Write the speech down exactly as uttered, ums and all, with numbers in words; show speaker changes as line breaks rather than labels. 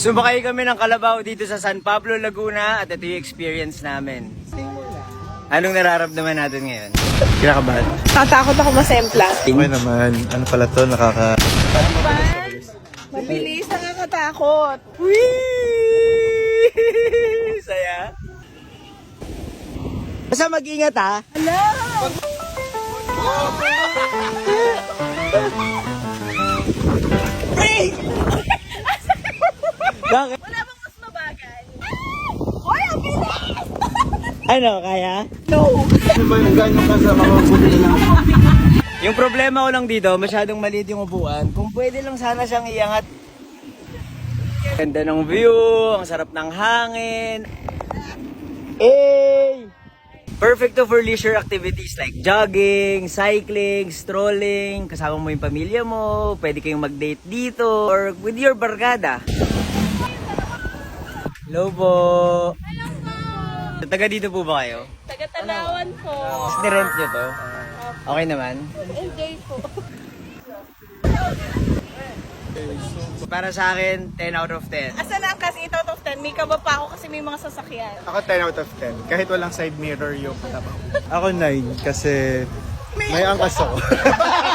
Sumakay kami ng kalabaw dito sa San Pablo, Laguna at ito yung experience namin. Anong nararamdaman natin ngayon? Kinakabahan?
Tatakot ako masempla.
Okay naman. Ano pala to? Nakaka...
Mabilis, nakakatakot.
Whee! Saya. Basta mag-ingat ha.
Hello!
Bakit?
Wala bang mas mabagal? Hoy, ang bilis!
Ano, kaya?
No!
Ano ba yung ganyan ka sa mga buti lang?
Yung problema ko lang dito, masyadong maliit yung upuan. Kung pwede lang sana siyang iangat. Ganda ng view, ang sarap ng hangin. Hey! Perfect to for leisure activities like jogging, cycling, strolling, kasama mo yung pamilya mo, pwede kayong mag-date dito, or with your barkada. Hello po!
Hello po!
Taga dito po ba kayo?
Taga-Tanawan po.
Nirent nyo to? Okay naman?
Enjoy po.
Para sa akin, ten out of ten.
Asa na ang kasi eight out of ten? May kaba pa ako kasi may mga sasakyan.
Ako ten out of ten. Kahit walang side mirror yung katabaw. Ako nine kasi may angkas ako.